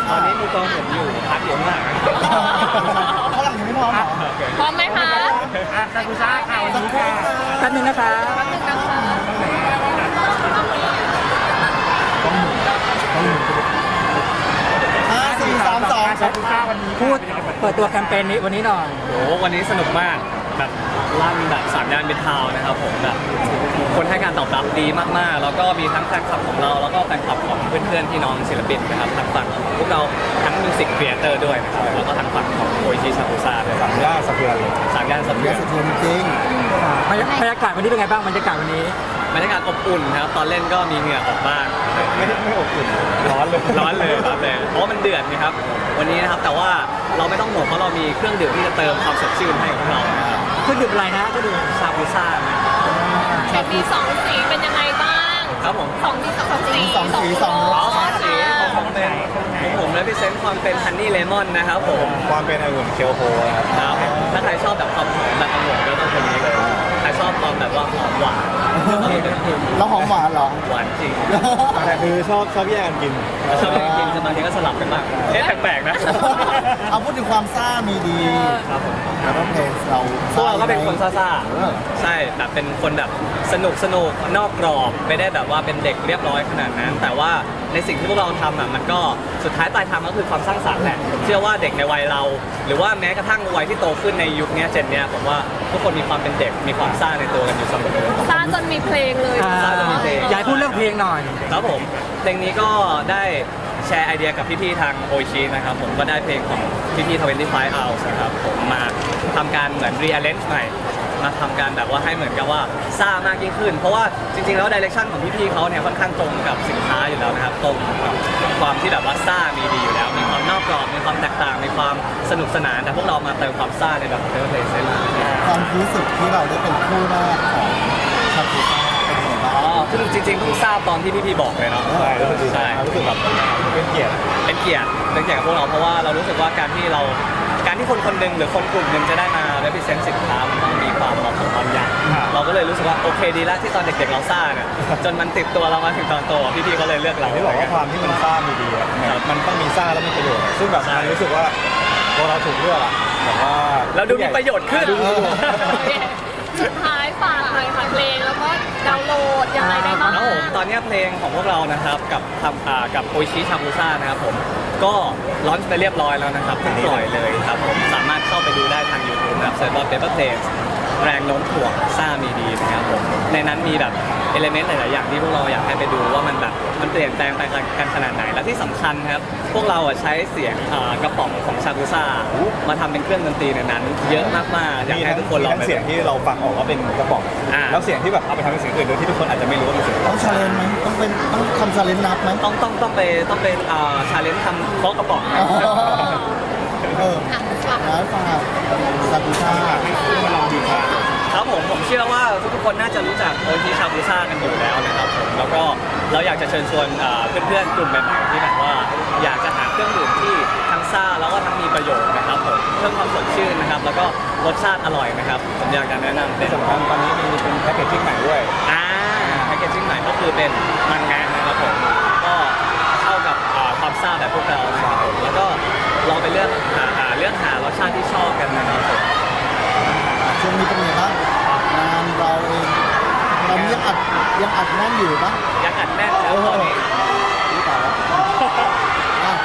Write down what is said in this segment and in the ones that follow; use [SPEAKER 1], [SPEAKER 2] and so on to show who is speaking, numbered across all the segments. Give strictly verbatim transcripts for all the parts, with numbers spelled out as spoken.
[SPEAKER 1] ตอนนี้มือกลองผมอยู่พักอยู่ข้างหลัง
[SPEAKER 2] ข้างหลังยังไม่พร้อมเหรอ
[SPEAKER 3] พร้อมไหมคะ
[SPEAKER 4] อ่ะซากุซ่าค่ะวันนี้ค่ะ
[SPEAKER 2] แป๊บนึงนะคะ
[SPEAKER 3] แป๊บนึงนะคะ
[SPEAKER 2] ห้าสี่สามสอง
[SPEAKER 4] ซากุซ่าวันนี้
[SPEAKER 2] พูดเปิดตัวแคมเปญนี้วันนี้หน่อย
[SPEAKER 1] โอ้โหวันนี้สนุกมากแบบลั่นแบบสามย่านมิตรทาวน์นะครับผมแบบคนให้การตอบรับดีมากๆ แล้วก็มีทั้งแฟนคลับของเรา แล้วก็แฟนคลับของเพื่อนๆพี่น้องศิลปินนะครับทั้งฝั่งของพวกเราทั้งมิวสิกครีเอเตอร์ด้วยนะครับแล้วก็ทั้งฝั่งของโออิชิซากุซ่าด้วย
[SPEAKER 4] สามย่านสะเทือนเลย
[SPEAKER 1] สามย่านสะเทื
[SPEAKER 2] เย
[SPEAKER 1] อ
[SPEAKER 2] อะ
[SPEAKER 1] น
[SPEAKER 2] สะเทือนจริง
[SPEAKER 5] บรรยบรรยากาศวันนี้เป็นไงบ้างบรรยากาศวันนี้
[SPEAKER 1] บรรยากาศอบอุ่นครับตอนเล่นก็มีเหงื่อออกบ้าง
[SPEAKER 4] ไม่ได้ไม่อบอุ่นร้อนเลย
[SPEAKER 1] ร้อนเลยร้อนเลยเพราะว่ามันเดือดนะครับวันนี้นะครับแต่ว่าเราไม่ต้องห่วงเพราะเรามีเครื่องดื่มที่จะเติมความสดชื่นให้กับเรานะครับ
[SPEAKER 5] เครื่องดื่มอะไรนะเครื่องดื่ม
[SPEAKER 1] ซาบูซ่านะ
[SPEAKER 3] เห็นมีสองสีเป็นยังไงบ้าง
[SPEAKER 1] ครับผม
[SPEAKER 3] สองสีสองสี
[SPEAKER 2] สองสีสองร
[SPEAKER 1] อ๋อ
[SPEAKER 2] ส
[SPEAKER 1] สองสีของผมเป็นของผมและพิเศษความเป็นฮันนี่เลมอนนะครับผม
[SPEAKER 4] ความเป็นองุ่นเคียวโฮนะครับ
[SPEAKER 1] ครับถ้าใครชอบแบบความหอมแบบองุ่นก็ต้องคนนี้เลยใครชอบความแบบว่าหอมหวาน
[SPEAKER 2] แล้วหอมหวานเหรอ
[SPEAKER 1] หวานจริง
[SPEAKER 4] แต่คือชอบชอบแยกกันกิน
[SPEAKER 1] ชอบกินจะบางทีก็สลับกันบ้างเอ๊ะแปลกๆนะ
[SPEAKER 2] เอาพูดถึงความซ่ามีดี
[SPEAKER 1] ครับผม
[SPEAKER 2] แล้วก็เพลงเรา
[SPEAKER 1] พวกเราก็เป็นคนซ่า
[SPEAKER 2] เออ
[SPEAKER 1] ๆใช่แบบเป็นคนแบบสนุกสนุกนอกกรอบไม่ได้แบบว่าเป็นเด็กเรียบร้อยขนาดนั้น แต่ว่าในสิ่งที่พวกเราทำอ่ะมันก็สุดท้ายปลายทางก็คือความสร้างสรรค์แหละผมเชื่อว่าเด็กในวัยเรา หรือว่าแม้กระทั่งวัยที่โตขึ้นในยุคเนี้ยเจนเนี้ยผมว่าทุกคนมีความเป็นเด็กมีความซ่าในตัวกันอยู่เสมอ
[SPEAKER 3] ซ่าจนมีเพลงเลย
[SPEAKER 5] อ่า
[SPEAKER 1] ซ่าจะมีเพลง
[SPEAKER 5] อยากให้พูดเรื่องเพลงหน่อย
[SPEAKER 1] ครับผมเพลงนี้ก็ได้แชร์ไอเดียกับพี่ๆทางโอชินะครับผมก็ได้เพลงของพี่ๆทเวนตี้ไฟว์ Hours นะครับผมมาทำการเหมือน rearrange ใหม่มาทำการแบบว่าให้เหมือนกับว่าซ่ามากยิ่งขึ้น เพราะว่าจริงๆแล้วดิเรกชันของพี่ๆเขาเนี่ยค่อนข้างตรงกับสินค้าอยู่แล้วนะครับตรงกับความที่แบบว่าซ่ามีดีอยู่แล้ว มีความนอกกรอบมีความแตกต่างมีความสนุกสนานแต่พวกเรามาเติมความซ่าในแบบเทเลเพลย์เซน
[SPEAKER 2] ความรู้สึกที่เราได้เป็นคู่แรกของชาบูซ่าเป็นยังไงบ้าง
[SPEAKER 1] อ๋อคือจริงๆเพิ่งทราบตอนที่พี่ๆบอกเลยเนาะ
[SPEAKER 4] ใช่รู้สึกดี
[SPEAKER 1] ใช่
[SPEAKER 4] รู้สึกแบบเป็นเกียรติ
[SPEAKER 1] เป็นเกียรติเป็นเกียรติกับพวกเราเพราะว่าเรารู้สึกว่าการที่เราการที่คนคนหนึ่งหรือคนกลุ่มหนึ่งจะได้มา represent สินค้ามันต้องมีความเหมาะสมบางอย่างเราก็เลยรู้สึกว่าโอเคดีแล้วที่ตอนเด็กๆเราซ่าเนี่ยจนมันติดตัวเรามาถึงตอนโตพี่ๆก็เลยเลือกเรา
[SPEAKER 4] ที่บอกว่าความที่มันซ่ามีดีอะมันต้องมีซ่าแล้วมีประโยชน์ ซึ่งแบบมันรู้สึกว่าพอเราถูกเลือกอะแบบว่า
[SPEAKER 1] เราดูมีประโยชน์ขึ้น
[SPEAKER 4] ดูมีประโยชน์
[SPEAKER 3] สุดท้ายฝากหน่อยค่ะเพลงแล้วก็ดาวน์โหลดยังไงได้บ้าง
[SPEAKER 1] ครับผมตอนนี้เพลงของพวกเรานะครับกับทำอ่ากับโอชิชาบูซ่านะครับผมก็ลอนช์ไปเรียบร้อยแล้วนะครับเพิ่งปล่อยเลยครับผมสามารถเข้าไปดูได้ทาง YouTube นะครับเซิร์ชว่า Paper Planes แรงโน้มถ่วงซ่ามีดีนะครับผมในนั้นมีแบบเอลิเมนต์หลาย ๆ อย่างที่พวกเราอยากให้ไปดูว่ามันแบบมันเปลี่ยนแปลงไปกันขนาดไหนและที่สำคัญครับพวกเราอ่ะใช้เสียงอ่ากระป๋องของชาบูซ่ามาทำเป็นเครื่องดนตรีในนั้น เยอะมาก ๆ อยากให้ทุกคนลอง
[SPEAKER 4] มี
[SPEAKER 1] ไป
[SPEAKER 4] ทั้งเสียงที่เราฟังออกว่าเป็นกระป๋อง
[SPEAKER 1] อ่า
[SPEAKER 4] แล้วเสียงที่แบบเอาไปทำเป็นเสียงอื่นโดยที่ทุกคนอาจจะไม่รู้ว่าเป็นเสียงกระป๋
[SPEAKER 2] ต้
[SPEAKER 4] อ
[SPEAKER 2] อง งชาเลนจ์ไหมต้องเป็นต้องทำชาเลนจ์นับไหม
[SPEAKER 1] ต้องต้องต้องไปต้องไปอ่าชาเลนจ์ทำเคาะกระป๋อง
[SPEAKER 2] อ๋อเออร้านฝากชาบูซ่า
[SPEAKER 4] มาลองดูค่ะ
[SPEAKER 1] ครับผมผมเชื่อว่าทุกๆคนน่าจะรู้จักโอชิชาบูซ่ากันอยู่แล้วนะครับผมแล้วก็เราอยากจะเชิญชวนอ่าเพื่อนๆกลุ่มใหม่ๆที่แบบว่าอยากจะหาเครื่องดื่มที่ทั้งซ่าแล้วก็ทั้งมีประโยชน์นะครับผมเพิ่มความสดชื่นนะครับแล้วก็รสชาติอร่อยนะครับผมอยากจะแนะนำเป็
[SPEAKER 4] ที่
[SPEAKER 1] น
[SPEAKER 4] สำคัญตอนนี้มีเป็นแพ็กเกจจิ้งใหม่ด้วย
[SPEAKER 1] อ่าแพคเกจจิ้งใหม่ก็คือเป็นมังงะนะครับผมก็เข้ากับอ่าความซ่าแบบพวกเรานะครับผมแล้วก็ลองไปเลือกหาหาเลือกหารสชาติที่ชอบกันนะครับผม
[SPEAKER 2] ช่วงนี้เป็นยังไงบ้างงานเราเองเรายังอัดยังอัดแน่นอยู่ปะ
[SPEAKER 1] ยังอัดแน่นแล้วตอนนี้
[SPEAKER 2] หรือเปล่าอ่ะ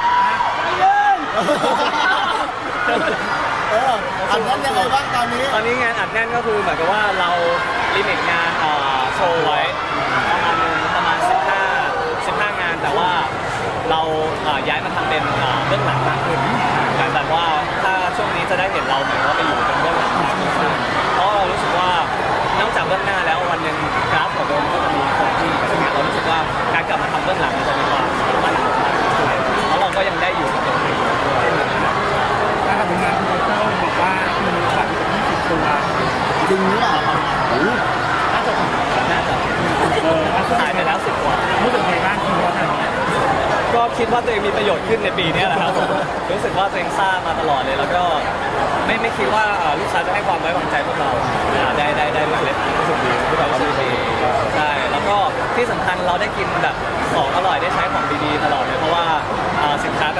[SPEAKER 2] เอออัดแน่นยังไงบ้างตอนนี้
[SPEAKER 1] ตอนนี้งานอัดแน่นก็คือเหมือนกับว่าเราลิมิตงานเอ่อโชว์ไว้ประมาณนึงประมาณสิบห้า สิบห้างานแต่ว่าเราเอ่อย้ายมาทำเป็นเอ่อเบื้องหลังมากขึ้นแต่แบบว่าถ้าช่วงนี้จะได้เห็นเราเหมือนว่าไปอยู่เป็นเบื้องหลังมากขึ้นเพราะเรารู้สึกว่านอกจากเบื้องหน้าแล้ววันหนึ่งกราฟของเราก็จะมีคงที่ใช่ไหมเรารู้สึกว่าการกลับมาทำเบื้องหลังมันจะมีความมั่นคงมากขึ้นเพราะเราก็ยังได้อยู่กับตรงนี้
[SPEAKER 4] ถ้าทำงานคุณเต้าบอกว่ามีบัตรยี่สิบตัว
[SPEAKER 2] จริงหรือเปล่า
[SPEAKER 1] น่าจะน่าจะ
[SPEAKER 4] เออ
[SPEAKER 1] ขายไปแล้วสิบกว่า
[SPEAKER 4] รู้สึกไงบ้างคุณว่าทำนี้
[SPEAKER 1] ก็คิดว่าตัวเองมีประโยชน์ขึ้นในปีนี้แหละครับผมรู้สึกว่าตัวเองซ่ามาตลอดเลย แล้วก็ไม่ไม่คิดว่าเอ่อลูกค้าจะให้ความไว้วางใจพวกเราอ่าได้ได้ได้มาเล่นรู้สึกดีที่แบบรู้สึกดีใช่แล้วก็ที่สำคัญเราได้กินแบบของอร่อยได้ใช้ของดีๆตลอดเลยเพราะว่าอ่าสินค้า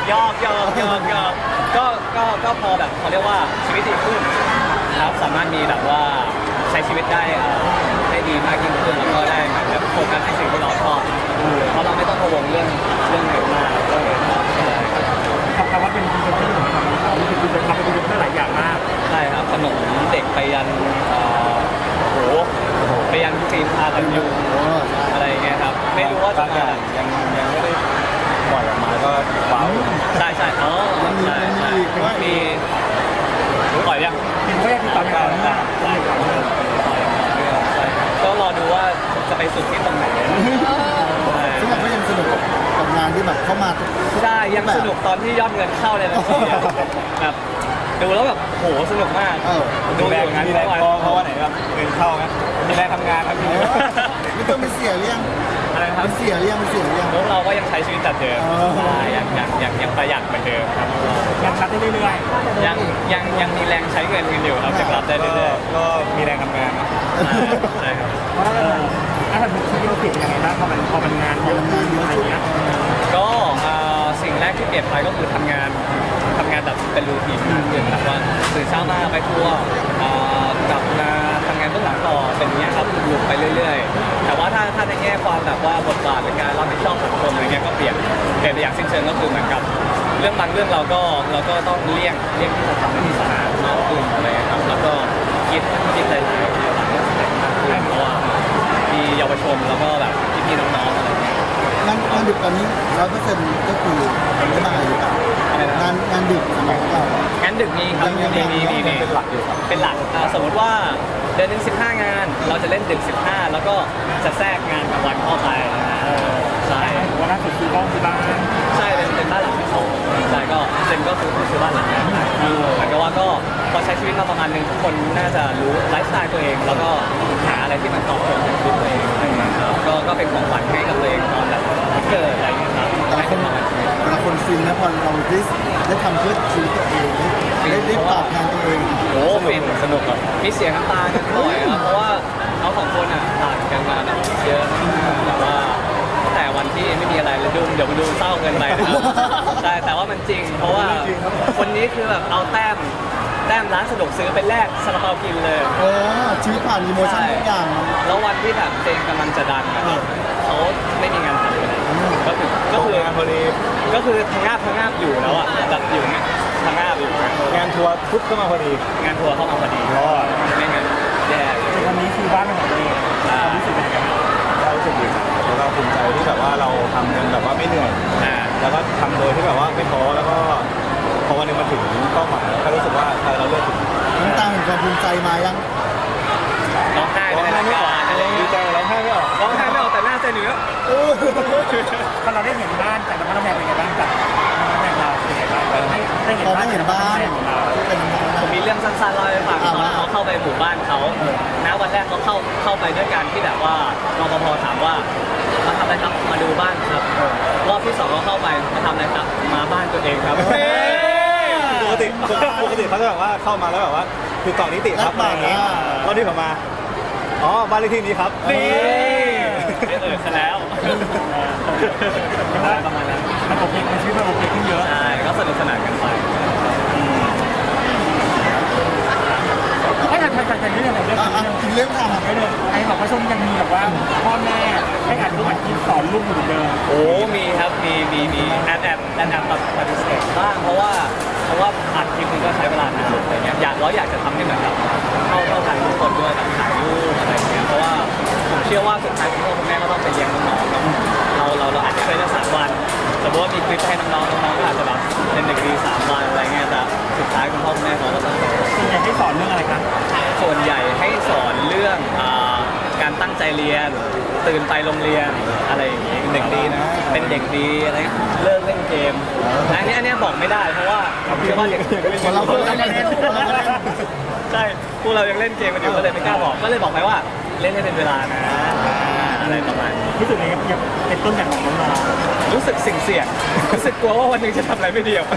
[SPEAKER 1] ยอกยอกยอกยอกก็ก็ก็พอแบบเขาเรียกว่าชีวิตดีขึ้นครับสามารถมีแบบว่าใช้ชีวิตได้เอ่อได้ดีมากยิ่งขึ้นแล้วก็ได้เหมือนแบบโฟกัสในสิ่งที่เราชอบเพราะเราไม่ต้องกังวลเรื่องเรื่องเงินมากก็เลยใช่
[SPEAKER 5] คำว่าเป็นพรีเซนเตอร์ของเรานี่คือจะทำเป็นพรีเซนเตอร์หลายอย่างมาก
[SPEAKER 1] ใช่ครับขนมเด็กไปยันเอ่อโอ้โหไปยันครีมทากันยุง
[SPEAKER 2] โอ้ใช่
[SPEAKER 1] อะไรอย่างเงี้ยครับไม่รู้ว่าจะ
[SPEAKER 4] บางอ
[SPEAKER 1] มา
[SPEAKER 4] ย่างยังยังไม่ได้ปล่อยออกมาก็ว้าว
[SPEAKER 1] ใช่ใช่อ๋อใช่ใช่มีปล่อยยัง
[SPEAKER 5] เป็นแรกที่ตอนนี้มาก
[SPEAKER 1] ใช่ครับใช่ครับก็รอดูว่าจะไปสุดที่ตรงไหนใช่
[SPEAKER 2] ซึ่งเราก็ยังสนุกกับงานที่แบบเข้ามาทุก
[SPEAKER 1] ใช่ยังสนุกตอนที่ยอดเงินเข้าเลยนะพี่แบบดูแล้วแบบโหสนุกมาก
[SPEAKER 2] เออ
[SPEAKER 1] ดู
[SPEAKER 4] มี
[SPEAKER 1] อ
[SPEAKER 4] แรง
[SPEAKER 1] ยู่งาน
[SPEAKER 4] มี
[SPEAKER 1] ที่
[SPEAKER 4] แร
[SPEAKER 1] ได้
[SPEAKER 4] ง
[SPEAKER 1] วัน
[SPEAKER 4] พอเพราะว่าไหนครับเงินเข้าไหมมีแรงทำงานครับพี่
[SPEAKER 2] ไม่ต้องไปเสียเลี้ยง
[SPEAKER 1] อะไรนะค
[SPEAKER 2] มั
[SPEAKER 1] รับ
[SPEAKER 2] นเสียเลี้ยงมันเสียเลี้ยง
[SPEAKER 1] พวกเราก็ยังใช้ชีวิตแบบเดิม
[SPEAKER 2] เออ
[SPEAKER 1] ใช่ยังยังยังยังประหยัดเหมือนเดิมครับ
[SPEAKER 5] ยังรับได้เรื่อย
[SPEAKER 1] ยังยังยังมีแรงใช้เงินกันอยู่ครับจะกลับได้
[SPEAKER 4] ก็
[SPEAKER 1] เรื่อย
[SPEAKER 4] ก็มีแรงทำงานนะ
[SPEAKER 1] ๆใช่ครับ
[SPEAKER 5] ๆเพราะว่าถ้าเป็นชีวิตเราเปลี่ยนยังไงบ้างพอมันพอมันงานเยอะขึ้นอะไรเงี้ย
[SPEAKER 1] ก็เอ่อสิ่งแรกที่เปลี่ยนไปก็คือทำงานทำงานแบบเป็นรูทีนมากขึ้นแบบว่าตื่นเช้ามาไปทัวร์เอ่อกลับมาทำงานเบื้องหลังต่อเป็นอย่างเงี้ยครับหลุดไปเรื่อยๆ แต่ว่าถ้าถ้าในแง่ความแบบว่าบทบาทในการรับผิดชอบสังคมอะไรเงี้ยก็เปลี่ยนเปลี่ยนไปอย่างสิ้นเชิงก็คือเหมือนกับ เรื่องบางเรื่องเราก็เราก็ต้องเลี่ยงเลี่ยงที่จะทำให้มีสาระมากขึ้นอะไรเงี้ยครับแล้วก็คิดคิดหลายๆอย่างมากขึ้นเพราะว่ามีเยาวชนแล้วก็แบบพี่ๆน้องๆอะไรเงี้ย
[SPEAKER 2] งานงานดึกตอนนี้ร้อยเปอร์เซ็นต์ก็คือไม่มาอยู่แล้ว
[SPEAKER 1] อะไรนะ
[SPEAKER 2] งานงานดึกสำหรับเรา
[SPEAKER 1] งั้นดึกมีครับ
[SPEAKER 2] ยัง
[SPEAKER 1] มี
[SPEAKER 2] ยัง
[SPEAKER 1] มีมี
[SPEAKER 2] ยัง
[SPEAKER 1] มี
[SPEAKER 4] เป็นหลักอยู่ครับ
[SPEAKER 1] เป็นหลักอ่าสมมติว่าเดือนหนึ่งสิบห้างาน เราจะเล่นดึกสิบห้าแล้วก็จะแทรกงานกลางวันเข้าไปนะใช่
[SPEAKER 5] วันล่าสุดซื้อบ้านที่บ้าน
[SPEAKER 1] ใช่เป็นเป็นบ้านหลังที่สองใช่ก็เจนก็คือซื้อบ้านหลังนี้เหมือนกับว่าก็พอใช้ชีวิตมาประมาณหนึงทุกคนน่าจะรู้ไลฟ์สไตล์ตัวเอง แล้วก็หาอะไรที่มันตอบโจทย์กับชีวิตตัวเองอะไรอย่างเงี้ยครับก็ก็เป็นของขวัญให้กับตัวเองตอนแบบวันเกิดอะไรอย่างเงี้ยครับ
[SPEAKER 2] แต่ละคนแต่ละคนฟินนะพอเราได้ได้ทำเพื่อชีวิตตัวเองได้ได้ตอบแทนตัวเอง
[SPEAKER 1] โอ้ฟินสนุกอ่ะมีเสียงน้ำตากันบ่อยครับเพราะว่าเขาสองคนอ่ะต่างกันมาแบบเยอะแบบว่าตั้งแต่วันที่ไม่มีอะไรเลยดูเดี๋ยวมาดูเศร้าเกินไปนะครับใช่แต่ว่ามันจริง เพราะว่าคนนี้คือแบบเอาแต้มแต้มร้านสะดวกซื้อไปแลกซาลาเปากินเลย
[SPEAKER 2] โอ้ชีวิตผ่านอีโมชั่นทุกอย่าง
[SPEAKER 1] แล้ววันที่แบบเจงกำลังจะดังอะครับเขาไม่มีงานทำเลยก็คือก็คือง
[SPEAKER 4] านพอดี
[SPEAKER 1] ก็คือทางงาบทางงาบอยู่แล้วอ่ะแบบอยู่เงี้ยทางงาบอยู่
[SPEAKER 4] งานทัวร์ปุ๊บก็มาพอดี
[SPEAKER 1] งานทัวร์เข้ามาพอดี
[SPEAKER 4] ยอด
[SPEAKER 1] ไม่งั้นแย่เลย
[SPEAKER 5] วันนี้คือบ้านเป็นของตัวเองความรู้สึกเป็นยังไงบ้าง
[SPEAKER 4] ก็รู้สึกดีครับแล้วก็ภูมิใจที่แบบว่าเราทำกันแบบว่าไม่เหนื่อย
[SPEAKER 1] อ่า
[SPEAKER 4] แล้วก็ทำโดยที่แบบว่าไม่ท้อแล้วก็พอวันหนึงมาถึงเป้าหมายก็รู้สึกว่าเออเราเลือกถูก
[SPEAKER 2] น้ำตาแห่งความภูมิใจมายัง
[SPEAKER 1] ร้องไห้ไปในรายการอะไร
[SPEAKER 4] ดี
[SPEAKER 1] เงี้ย
[SPEAKER 4] ใจร้องไห้ไม่ออก
[SPEAKER 1] ร้องไห้ไม่ออกแต่หน้าใจเหนือ
[SPEAKER 5] พอเราได้เห็นบ้านจากบ้านแพงเป็นยังไงบ้างจากบ้านแพงเราเป็นยังไงบ้างได้ได้เห็น
[SPEAKER 2] พอ
[SPEAKER 5] บ้า
[SPEAKER 2] ได้
[SPEAKER 5] น
[SPEAKER 2] เห็นบ้าน
[SPEAKER 5] ของเรา
[SPEAKER 2] ที่เป็นบ้าน
[SPEAKER 1] ผมมีเรื่องสั้นๆเล่าให้ฟัง
[SPEAKER 2] อ่า
[SPEAKER 1] ว่า
[SPEAKER 2] มา
[SPEAKER 1] เขาเข้าไปหมู่บ้านเขานะวันแรกเขาเข้าเข้าไปด้วยการที่แบบว่ารปภถามว่ามาทำอะไรครับมาดูบ้านครับรอบที่สองเขาเข้าไปมาทำอะไรครับมาบ้านตัวเองครับ
[SPEAKER 4] ปกติปกติเขาจะแบบว่าเข้ามาแล้วแบบว่าคือกล่องนิติครับอะไรอย่างเงี้ยรอบที่ผมมาอ๋อบ้านเลขที่นี้ครับ
[SPEAKER 1] นี่เออซะแล้วประมาณนั้น
[SPEAKER 5] มันโอเคมันชีวิตมันโอเคขึ้นเยอะ
[SPEAKER 1] ใช่ก็สนุกสนานกันไป
[SPEAKER 5] ให้ทันทันทันทันเรื่องอะไรเรื่อง
[SPEAKER 2] อ่ะ
[SPEAKER 5] เรื่อง
[SPEAKER 2] ถึงเรื่องทำ
[SPEAKER 5] ไม่เลยไอ้บอกว่าช่วงนี้ยังมีแบบว่าพ่อแม่ให้อ่านทุกวันที่สอนลูกอยู่เหมือนเดิม
[SPEAKER 1] โอ้มีครับมีมีมีแอบแอบแอบแอบแบบปฏิเสธบ้างเพราะว่าเพราะว่าอัดคลิปนึงก็ใช้เวลานานอะไรเงี้ยอยากเราอยากจะทำให้เหมือนแบบเข้าเข้าทางทุกคนด้วยแบบถ่ายรูปอะไรเงี้ยเพราะว่าผมเชื่อว่าสุดท้ายคุณพ่อคุณแม่ก็ต้องไปเลี้ยงน้องๆเนาะเราเราเราอาจจะเคยได้สามวันสมมติว่ามีคลิปให้น้องๆน้องๆก็อาจจะแบบเป็นเด็กดีสามวันอะไรเงี้ยแต่สุดท้ายคุณพ่อคุณแม่เขาก็ต้อง
[SPEAKER 5] ส่วนใหญ่ให้สอนเรื่องอะไรครับ
[SPEAKER 1] ส่วนใหญ่ให้สอนเรื่องอ่าการตั้งใจเรียน ตื่นไปโรงเรียนอะไรอย่างงี้เด็กดีนะเป็นเด็กดีอะไรเลิกเล่นเกมอันนี้อันนี้บอกไม่ได้เพราะว่าเชื่อว่าเด็ก
[SPEAKER 2] คนเราคนเราเล่นคนเราเล่น
[SPEAKER 1] ใช่พวกเรายังเล่นเกมกันอยู่ก็เลยไม่กล้าบอกก็เลยบอกไปว่าเล่นให้เป็นเวลานะอะไรประมาณนี้
[SPEAKER 5] รู้สึกไงครับยังเป็นต้นแบบของน้อง
[SPEAKER 1] รู้สึกเสี่ยงเสี่ยงๆรู้สึกกลัวว่าวันหนึงจะทำอะไรไม่ดีออกไป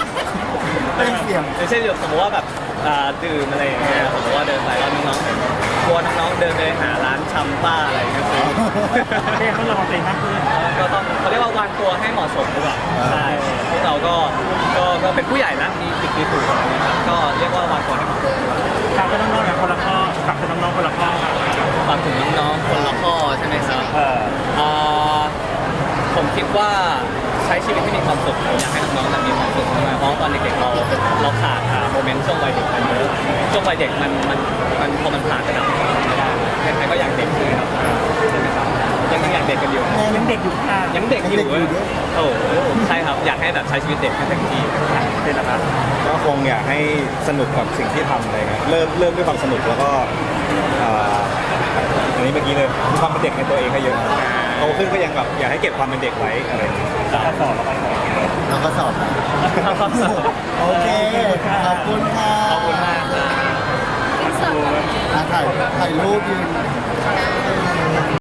[SPEAKER 2] เป็นเสี่ยง
[SPEAKER 1] อย่างเช่นสมมติว่าแบบอ่าดื่มอะไรอย่างเงี้ยสมมติว่าเดินไปแล้วน้องๆเห็นกลัวน้องๆเดินไปหาร้านชำป้าอะไรก็คือ
[SPEAKER 5] เรียกเขาระวังตัวเองมากขึ้น
[SPEAKER 1] ก็ต้องเขาเรียกว่าวางตัวให้เหมาะสมดีกว่าใช่พวกเราก็ก็ก็เป็นผู้ใหญ่แล้วมีผิดมีถูกอะไรเงี้ยครับก็เรียกว่าวางตัวให้เหมาะสมดีกว่า
[SPEAKER 5] ฝากกับน้องๆเนี่ยคนละข้อฝากกับน้องๆคนละข้อครับ
[SPEAKER 1] ฝากถึงน้องๆคนละข้อใช่ไหมครับ
[SPEAKER 5] เออ
[SPEAKER 1] อ่าผมคิดว่าใช้ชีวิตที่มีความสุขผมอยากให้น้องๆมีความสุขมากๆเพราะตอนเด็กๆเราเราขาดโมเมนต์ช่วงวัยเด็กกันเยอะช่วงวัยเด็กมันมันมันพอมันผ่านไปแล้วไม่ได้ใครๆก็อยากเด็กใช่ไหมครับใช่ไหมครับยังยังอยากเด็กกันอยู่
[SPEAKER 5] ยังเด็กอยู่ค่ะ
[SPEAKER 1] ยังเด็กอยู่เว้ยโอ้โหใช่ครับอยากให้แบบใช้ชีวิตเด็กให้เต็มที่
[SPEAKER 5] เป็นนะครับ
[SPEAKER 4] ก็คงอยากให้สนุกกับสิ่งที่ทำอะไรเงี้ยเริ่มเริ่มด้วยความสนุกแล้วก็อ่าอันนี้เมื่อกี้เลยมีความเป็นเด็กในตัวเองให้เยอะโตขึ้นก็ยังแบบอยากให้เก็บความเป็นเด็กไว้อะไรอย่างเงี้ย
[SPEAKER 5] ข้อสอบแล้วก็สอบ
[SPEAKER 2] เราก็สอบนะโอเค ขอบคุณค่ะ
[SPEAKER 1] ขอบคุณมากครับ
[SPEAKER 3] อินเสิร์ต
[SPEAKER 2] อ่ะถ่ายถ่ายรูปยืน